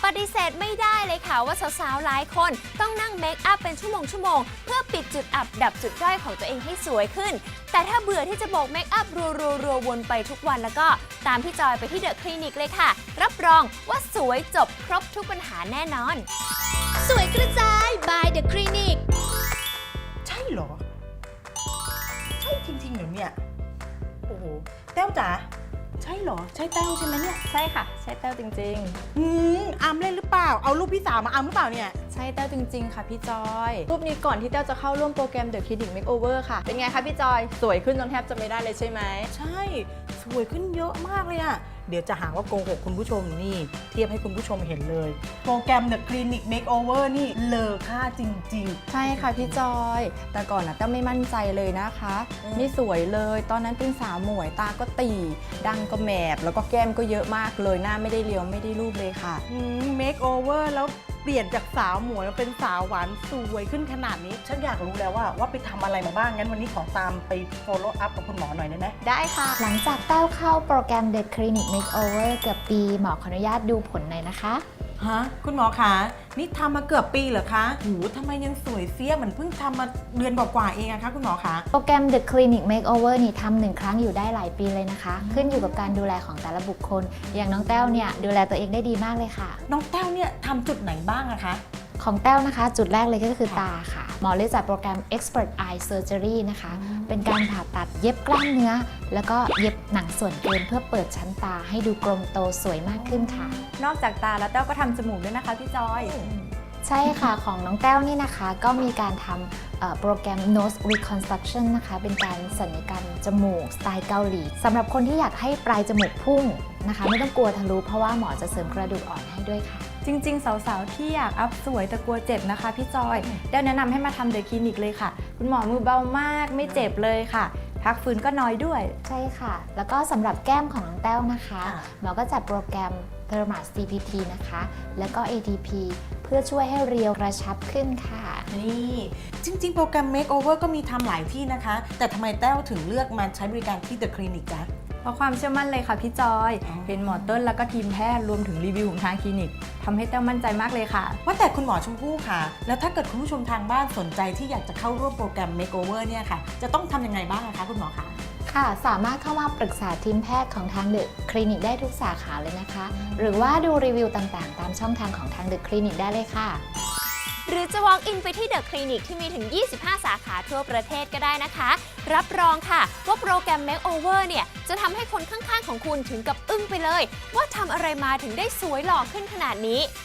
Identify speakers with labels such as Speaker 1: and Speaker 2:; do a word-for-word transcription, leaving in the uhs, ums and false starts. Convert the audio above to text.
Speaker 1: ปฏิเสธไม่ได้เลยค่ะว่าสาวๆหลายคนต้องนั่งเมคอัพเป็นชั่วโมงชั่วโมงเพื่อปิดจุดอับดับจุดด้อยของตัวเองให้สวยขึ้นแต่ถ้าเบื่อที่จะโบกเมคอัพรัวๆๆวนไปทุกวันแล้วก็ตามพี่จอยไปที่เดอะคลินิกเลยค่ะรับรองว่าสวยจบครบทุกปัญหาแน่นอนสวยกระจาย by The Clinic
Speaker 2: ใช่เหรอใช่จริงๆเหรอเนี่ยโอ้โหแต้วจ๋าใช่เหรอใช่แต้วใช่ไหมเนี่ย
Speaker 3: ใช่ค่ะใช่แต้วจริง
Speaker 2: อืมอามเล่นหรือเปล่าเอารูปพี่สาวมาอามหรือเปล่าเนี่ย
Speaker 3: ๆใช่แต้วจริงๆค่ะพี่จอยรูปนี้ก่อนที่แต้วจะเข้าร่วมโปรแกรม The Clinic Makeover ค่ะเป็นไงคะพี่จอยสวยขึ้นจนแทบจะไม่ได้เลยใช่ไหม
Speaker 2: ใช่สวยขึ้นเยอะมากเลยอะเดี๋ยวจะหาว่าโกหกคุณผู้ชมนี่เทียบให้คุณผู้ชมเห็นเลยโปรแกรม The Clinic Makeover นี่เลอค่าจริงๆ
Speaker 3: ใช่ค่ะพี่จอยแต่ก่อนนะแต้วไม่มั่นใจเลยนะคะไม่สวยเลยตอนนั้นเป็นสาวหมวยตาก็ตีดังก็แมบแล้วก็แก้มก็เยอะมากเลยหน้าไม่ได้เรียวไม่ได้รูปเลยค่ะ
Speaker 2: เมคโอเวอร์แล้วเปลี่ยนจากสาวหมวยมาเป็นสาวหวานสวยขึ้นขนาดนี้ฉันอยากรู้แล้วว่าว่าไปทำอะไรมาบ้างงั้นวันนี้ขอตามไป follow up กับคุณหมอหน่อยได้ไหม
Speaker 3: ได้ค่ะ
Speaker 4: หลังจากแต้วเข้าโปรแกรม The Clinic Makeover เกือบปีหมอขออนุญาตดูผลหน่อยนะคะ
Speaker 2: ฮะคุณหมอคะนี่ทำมาเกือบปีเหรอคะหูทำไมยังสวยเสี้ยเหมือนเพิ่งทำมาเดือนกว่าๆเองอะคะคุณหมอคะ
Speaker 4: โปรแกรม The Clinic Makeover นี่ทำหนึ่งครั้งอยู่ได้หลายปีเลยนะคะขึ้นอยู่กับการดูแลของแต่ละบุคคลอย่างน้องแต้วเนี่ยดูแลตัวเองได้ดีมากเลยค่ะ
Speaker 2: น้องแต้วเนี่ยทำจุดไหนบ้างอะคะ
Speaker 4: ของแต้วนะคะจุดแรกเลยก็คือตาค่ะหมอเลยจัดโปรแกรม Expert Eye Surgery นะคะเป็นการผ่าตัดเย็บกล้ามเนื้อแล้วก็เย็บหนังส่วนเกินเพื่อเปิดชั้นตาให้ดูกลมโตสวยมากขึ้นค่ะ
Speaker 3: นอกจากตาแล้วแต้วก็ทำจมูกด้วยนะคะพี่จอย
Speaker 4: ใช่ค่ะของน้องแต้วนี่นะคะก็มีการทำโปรแกรม Nose Reconstruction นะคะเป็นการศัลยกรรมจมูกสไตล์เกาหลีสำหรับคนที่อยากให้ปลายจมูกพุ่งนะคะไม่ต้องกลัวทะลุเพราะว่าหมอจะเสริมกระดูกอ่อนให้ด้วยค่ะ
Speaker 3: จริงๆสาวๆที่อยากอัพสวยแต่กลัวเจ็บนะคะพี่จอยแต้วแนะนำให้มาทำเดอะคลินิกเลยค่ะคุณหมอมือเบามากไม่เจ็บเลยค่ะพักฟื้นก็น้อยด้วย
Speaker 4: ใช่ค่ะแล้วก็สำหรับแก้มของน้องแต้วนะคะหมอก็จัดโปรแกรม Thermal ซี พี ที นะคะแล้วก็ เอ ที พี เพื่อช่วยให้เรียวกระชับขึ้นค่ะ
Speaker 2: นี่จริงๆโปรแกรม Makeover ก็มีทำหลายที่นะคะแต่ทำไมแต้วถึงเลือกมาใช้บริการที่ The Clinic จ๊ะ
Speaker 3: เพราะความเชื่อมั่นเลยค่ะพี่จอยเป็นหมอเติ้ลแล้วก็ทีมแพทย์รวมถึงรีวิวของทางคลินิกทำให้แต้วมั่นใจมากเลยค่ะ
Speaker 2: ว่าแต่คุณหมอชมพู่ค่ะแล้วถ้าเกิดคุณผู้ชมทางบ้านสนใจที่อยากจะเข้าร่วมโปรแกรม Makeover เนี่ยค่ะจะต้องทำยังไงบ้างคะคุณหมอคะ
Speaker 4: ค่ะสามารถเข้ามาปรึกษาทีมแพทย์ของทางเดอะคลินิกได้ทุกสาขาเลยนะคะหรือว่าดูรีวิวต่างๆตามช่องทางของทางเดอะคลินิกได้เลยค่ะ
Speaker 1: หรือจะ walk in ไปที่ The Clinic ที่มีถึง ยี่สิบห้า สาขาทั่วประเทศก็ได้นะคะรับรองค่ะว่าโปรแกรม Makeover เนี่ยจะทำให้คนข้างๆของคุณถึงกับอึ้งไปเลยว่าทำอะไรมาถึงได้สวยหล่อขึ้นขนาดนี้